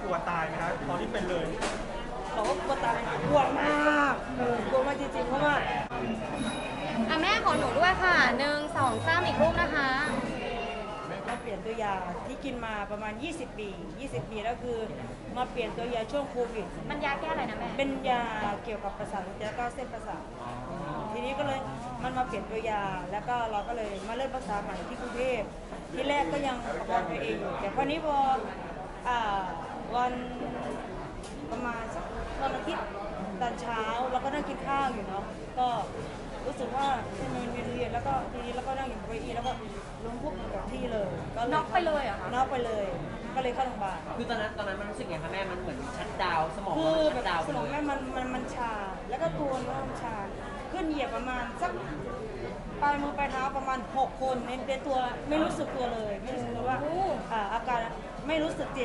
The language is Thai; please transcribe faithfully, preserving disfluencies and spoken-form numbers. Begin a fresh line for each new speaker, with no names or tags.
ลัวตายไหมครับตอนที่เป็นเลย
เราก็กลัวตายกลัวมากเออกลัวมากจริงๆเพราะว่า
อ่ะแม่ขอหนูด้วยค่ะหนึ่งสองสามอีกรูปนะคะ
มาเปลี่ยนตัวยาที่กินมาประมาณยี่สิบปียี่สิบปีแล้วคือมาเปลี่ยนตัวยาช่วงโควิด
มันยาแก้อะไรนะแม่
เป็นยาเกี่ยวกับประสาทแล้วก็เส้นประสาททีนี้ก็เลยมันมาเปลี่ยนตัวยาแล้วก็เราก็เลยมาเริ่มรักษาใหม่ที่กรุงเทพที่แรกก็ยังประคองตัวเองอยู่แต่พอนี้พออ่าวันประมาณสักวันอาทิตย์ตอนเช้าเราก็นั่งกินข้าวอยู่เนาะก็รู้สึกว่ามันเวียนเวียนแล้วก็ทีนี้แล้วก็นั่งอยู่บนเก้าอี้แล้วก็ล้มพุบลงกับที่เลยก็
น็อกไปเลยเหรอคะ
น็อกไปเลยก็เลยเข้าโรงพยาบาล
คือตอนนั้นตอนนั้นมันรู้สึกไงคะแม่มันเหมือนชัดดาวสมอง
คือแบ
ชั
บ
ดดาว
สมองแม่มันมันมันชาแล้วก็ตัวเนื้อมันชาขึ้นเหยียบประมาณสักปลายมือปลายเท้าประมาณหกคนในในตัวไม่รู้สึกตัวเลยไม่รู้สึกตัวว่าอ่าอาการไม่รู้สึกเจ็บ